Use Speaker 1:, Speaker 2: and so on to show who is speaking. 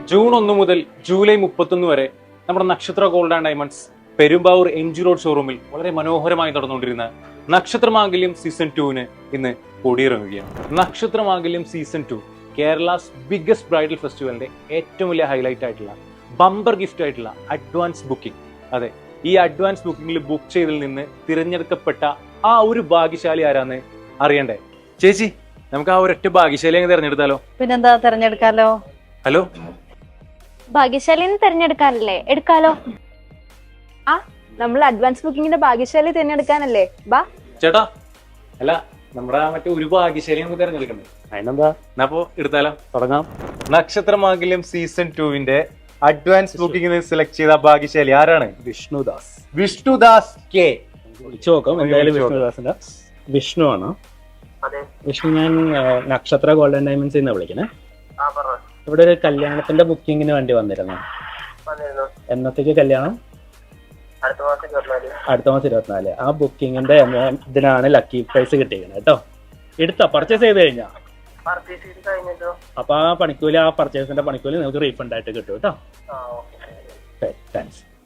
Speaker 1: June 1 മുതൽ July 31 വരെ നമ്മുടെ Nakshatra gold and diamonds Perumbavoor MG road ഷോറൂമിൽ വളരെ മനോഹരമായി നടന്നുകൊണ്ടിരുന്ന നക്ഷത്രമാംഗല്യം സീസൺ 2 ഇന്ന് കൊടിയിറങ്ങുകയാണ്. Nakshatramangalyam season 2 Kerala's biggest bridal ഫെസ്റ്റിവലിന്റെ ഏറ്റവും വലിയ ഹൈലൈറ്റ് ആയിട്ടുള്ള ബമ്പർ ഗിഫ്റ്റ് ആയിട്ടുള്ള അഡ്വാൻസ് ബുക്കിംഗ്. അതെ, ഈ അഡ്വാൻസ് ബുക്കിംഗിൽ ബുക്ക് ചെയ്തതിൽ നിന്ന് തിരഞ്ഞെടുക്കപ്പെട്ട ആ ഒരു ഭാഗ്യശാലി ആരാന്ന് അറിയണ്ടേ? ചേച്ചി, നമുക്ക് ആ ഒരൊറ്റ ഭാഗ്യശാലി അങ്ങ് തിരഞ്ഞെടുത്താലോ?
Speaker 2: പിന്നെന്താ, തിരഞ്ഞെടുക്കാലോ.
Speaker 1: ഹലോ,
Speaker 3: ഭാഗ്യശാലിന്ന് തിരഞ്ഞെടുക്കാനല്ലേ? എടുക്കാലോ. ആ, നമ്മൾ അഡ്വാൻസ് ബുക്കിങ്ങിന്റെ ഭാഗ്യശാലി തിരഞ്ഞെടുക്കാനല്ലേ? ബാ
Speaker 1: ചേട്ടാ. അല്ല, നമ്മുടെ മറ്റേ ഒരു ഭാഗ്യശാലി നമുക്ക് തിരഞ്ഞെടുക്കണ്ടേ?
Speaker 4: അതിനെന്താ,
Speaker 1: എന്നാ അപ്പോ എടുത്താലോ?
Speaker 4: തുടങ്ങാം.
Speaker 1: Nakshatramangalyam season 2 advance booking select ചെയ്ത ഭാഗ്യശാലി ആരാണ്?
Speaker 4: വിഷ്ണുദാസ്.
Speaker 1: വിഷ്ണുദാസ് കെ.
Speaker 4: വിളിച്ചു നോക്കാം എന്തായാലും. വിഷ്ണുദാസിന്റെ വിഷ്ണു ആണോ? വിഷ്ണു, ഞാൻ നക്ഷത്ര ഗോൾഡ് ആൻഡ് ഡയമണ്ട്സ് നിന്ന് വിളിക്കണേ. ഇവിടെ ഒരു കല്യാണത്തിന്റെ ബുക്കിങ്ങിന് വേണ്ടി വന്നിരുന്നു. എന്നത്തേക്ക് കല്യാണം? അടുത്ത മാസം 24. ആ ബുക്കിങ്ങിന്റെ ഇതിനാണ് ലക്കി പ്രൈസ് കിട്ടിയിരിക്കുന്നത് കേട്ടോ. എടുത്താ പർച്ചേസ് ചെയ്ത് കഴിഞ്ഞാ? അപ്പൊ ആ പണിക്കൂലി, ആ പർച്ചേസിന്റെ പണിക്കൂലി നിങ്ങൾക്ക് റീഫണ്ട് ആയിട്ട് കിട്ടും കേട്ടോ. താങ്ക്സ്.